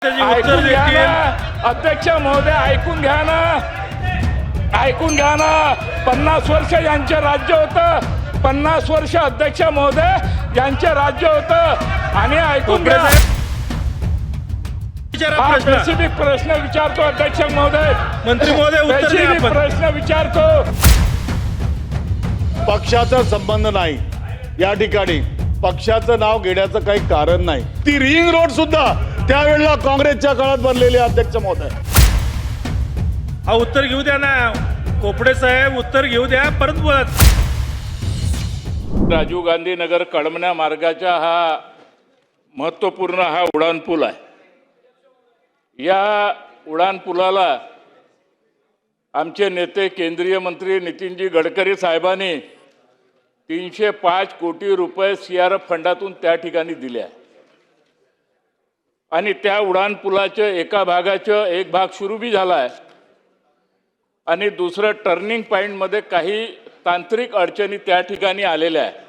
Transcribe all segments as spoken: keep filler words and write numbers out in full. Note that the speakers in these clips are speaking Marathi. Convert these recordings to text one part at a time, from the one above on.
ऐकून घ्या ना अध्यक्ष महोदय, ऐकून घ्या ना ऐकून घ्या ना पन्नास वर्ष यांचे राज्य होतं, पन्नास वर्ष अध्यक्ष महोदय यांचे राज्य होतं आणि ऐकून घ्या. हा स्पेसिफिक प्रश्न विचारतो अध्यक्ष महोदय, मंत्री महोदय उत्तर द्या. स्पेसिफिक प्रश्न विचारतो. पक्षाचा संबंध नाही, या ठिकाणी पक्षाचं नाव घेण्याचं काही कारण नाही. ती रिंग रोड सुद्धा त्यावेळेला काँग्रेसच्या काळात बनलेली अध्यक्ष महोदय. हा उत्तर घेऊ द्या ना कोपडे साहेब, उत्तर घेऊ द्या. परत बोलत राजीव गांधी नगर कळमना मार्गाचा हा महत्त्वपूर्ण हा उड्डाणपूल आहे. या उड्डाणपुलाला आमचे नेते केंद्रीय मंत्री नितीनजी गडकरी साहेबांनी तीनशे पाच कोटी रुपये सी आर एफ फंडातून त्या ठिकाणी दिले आहे आणि त्या उड्डाणपुलाचं एका भागाचं एक भाग सुरू बी झाला आहे आणि दुसरं टर्निंग पॉईंटमध्ये काही तांत्रिक अडचणी त्या ठिकाणी आलेल्या आहे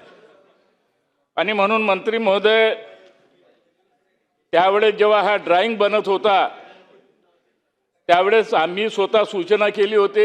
आणि म्हणून मंत्री महोदय त्यावेळेस जेव्हा हा ड्राइंग बनत होता त्यावेळेस आम्ही स्वतः सूचना केली होती.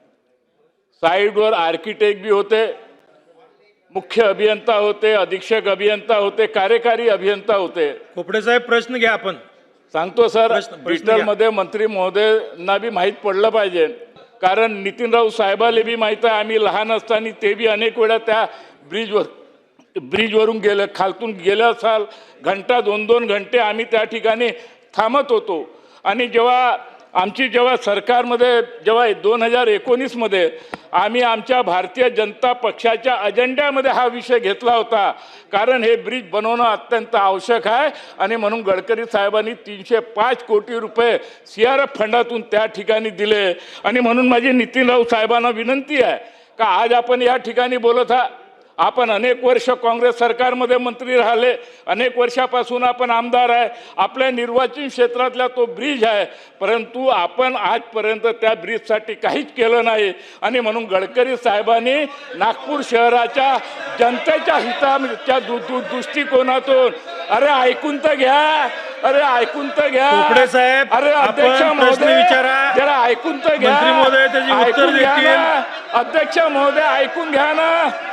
साईडवर आर्किटेक्ट बी होते, मुख्य अभियंता होते, अधीक्षक अभियंता होते, कार्यकारी अभियंता होते. कोपडे साहेब प्रश्न घ्या. आपण सांगतो सर, प्रश्न- प्रश्न डिजिटलमध्ये मंत्री महोदयांना बी माहीत पडलं पाहिजे, कारण नितीन राऊत साहेबाला बी माहीत आहे. आम्ही लहान असताना ते बी अनेक वेळा त्या ब्रिजवर ब्रिजवरून गेलं, खालतून गेलं असाल घंटा दोन दोन घंटे आम्ही त्या ठिकाणी थांबत होतो. आणि जेव्हा आमची जेव्हा सरकारमध्ये जेव्हा दोन हजार एकोणीसमध्ये आम्ही आमच्या भारतीय जनता पक्षाच्या अजेंड्यामध्ये हा विषय घेतला होता, कारण हे ब्रिज बनवणं अत्यंत आवश्यक आहे आणि म्हणून गडकरी साहेबांनी तीनशे पाच कोटी रुपये सी आर एफ फंडातून त्या ठिकाणी दिले. आणि म्हणून माझी नितीन राऊत साहेबांना विनंती आहे का आज आपण या ठिकाणी बोलत आहात. आपण अनेक वर्ष काँग्रेस सरकारमध्ये मंत्री राहिले, अनेक वर्षापासून आपण आमदार आहे, आपल्या निर्वाचन क्षेत्रातला तो ब्रिज आहे, परंतु आपण आजपर्यंत त्या ब्रिजसाठी काहीच केलं नाही. आणि म्हणून गडकरी साहेबांनी नागपूर शहराच्या जनतेच्या हिताच्या दु दु दृष्टिकोनातून अरे ऐकून तर घ्या अरे ऐकून तर घ्या कोपडे साहेब, अरे अध्यक्ष आपण प्रश्न महोदय विचारा. जरा ऐकून तर घ्या. मंत्री महोदय त्याची उत्तर ऐकून घ्या देतील. ना. अध्यक्ष महोदय ऐकून घ्या ना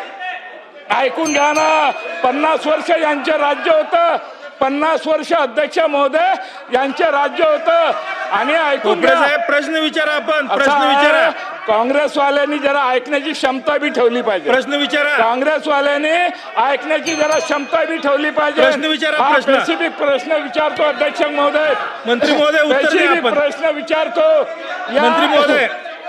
ऐकून घ्या ना पन्नास वर्ष यांचे राज्य होतं, पन्नास वर्ष अध्यक्ष महोदय यांचे राज्य होतं आणि ऐकून कोपडे घ्या. साहेब प्रश्न विचारा. आपण असं प्रश्न आहे, विचारा. काँग्रेसवाल्यांनी जरा ऐकण्याची क्षमता बी ठेवली पाहिजे. प्रश्न विचारा. काँग्रेसवाल्यांनी ऐकण्याची जरा क्षमता बी ठेवली पाहिजे. प्रश्न विचारा, हा प्रश्न. स्पेसिफिक प्रश्न विचारतो अध्यक्ष महोदय. मंत्री महोदय उत्तर द्या. स्पेसिफिक आपण प्रश्न विचारतो. या- मंत्री महोदय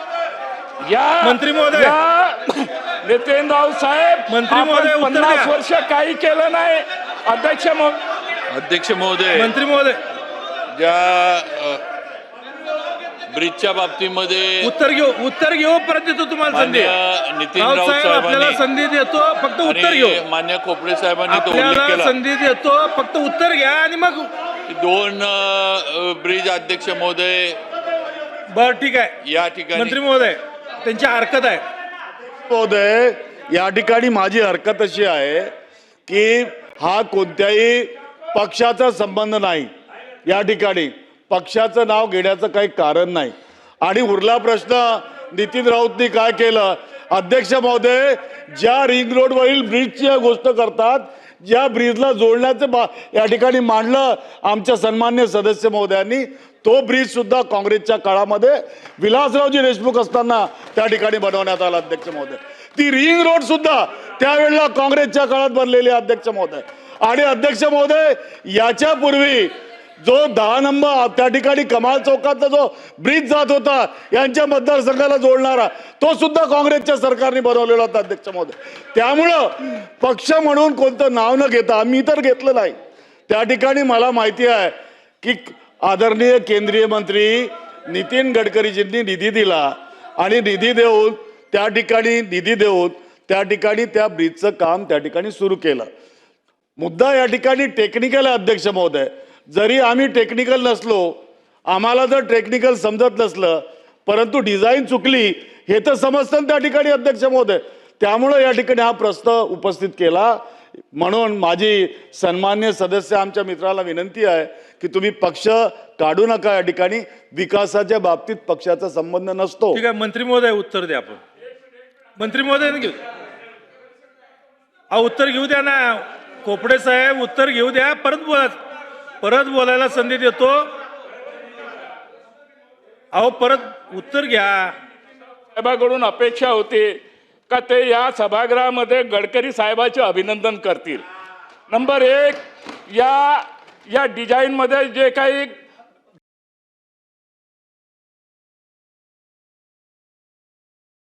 या मंत्री महोदय. या नितीन राऊत साहेब, मंत्री आपण महोदय उत्तर पन्नास द्या. वर्ष काही केलं नाही. अध्यक्ष महो- अध्यक्ष महोदय, मंत्री महोदय ज्या अ, ब्रिजच्या बाबतीमध्ये उत्तर घेऊ उत्तर घेऊ. परत देतो तुम्हाला संधी. मान्य नितीन राऊत राऊत साहेब आपल्याला साहेबांनी संधी देतो, फक्त उत्तर घेऊ. आणि मान्य कोपडे साहेबांनी तो उल्लेख आपल्याला केला संधी देतो, फक्त उत्तर घ्या आणि मग की दोन अ, ब्रिज अध्यक्ष महोदय बर ठीक आहे. या ठिकाणी मंत्री महोदय त्यांची हरकत आहे. महोदय, या ठिकाणी माझी हरकत अशी आहे की हा कोणत्याही पक्षाचा संबंध नाही, या ठिकाणी पक्षाचं नाव घेण्याचं काही कारण नाही. आणि उरला प्रश्न नितीन राऊतनी काय केलं. अध्यक्ष महोदय, ज्या रिंग रोडवरील ब्रिजची गोष्ट करतात, ज्या ब्रिजला जोडण्याचं बा या ठिकाणी मांडलं आमच्या सन्मान्य सदस्य महोदयांनी, तो ब्रिज सुद्धा काँग्रेसच्या काळामध्ये विलासरावजी देशमुख असताना त्या ठिकाणी बनवण्यात आला. अध्यक्ष महोदय, ती रिंग रोड सुद्धा त्यावेळेला काँग्रेसच्या काळात बनलेली अध्यक्ष महोदय. आणि अध्यक्ष महोदय, याच्या पूर्वी जो दहा नंबर त्या ठिकाणी कमाल चौकातला जो ब्रिज जात होता यांच्या मतदारसंघाला जोडणारा, तो सुद्धा काँग्रेसच्या सरकारने बनवलेला होता. अध्यक्ष महोदय, त्यामुळं पक्ष म्हणून कोणतं नाव न घेता, आम्ही तर घेतलं नाही. त्या ठिकाणी मला माहिती आहे की आदरणीय केंद्रीय मंत्री नितीन गडकरीजींनी निधी दिला आणि निधी देऊन त्या ठिकाणी निधी देऊन त्या ठिकाणी त्या ब्रिजचं काम त्या ठिकाणी सुरू केलं. मुद्दा या ठिकाणी टेक्निकल आहे. अध्यक्ष महोदय, जरी आम्ही टेक्निकल नसलो, आम्हाला जर टेक्निकल समजत नसलं, परंतु डिझाईन चुकली हे तर समजतं त्या ठिकाणी. अध्यक्ष महोदय, त्यामुळं या ठिकाणी हा प्रश्न उपस्थित केला. म्हणून माझी सन्मान्य सदस्य आमच्या मित्राला विनंती आहे की तुम्ही पक्ष काढू नका. या ठिकाणी विकासाच्या बाबतीत पक्षाचा संबंध नसतो. ठीक आहे, मंत्री महोदय उत्तर द्या. आपण मंत्री महोदय घेऊ अहो उत्तर घेऊ द्या ना. कोपडे साहेब उत्तर घेऊ द्या. परत बोला, परत बोलायला संधी देतो. अहो परत उत्तर घ्या. साहेबाकडून अपेक्षा होती का ते या सभागृहामध्ये गडकरी साहेबाचे अभिनंदन करतील. नंबर एक, या या डिझाईनमध्ये जे काही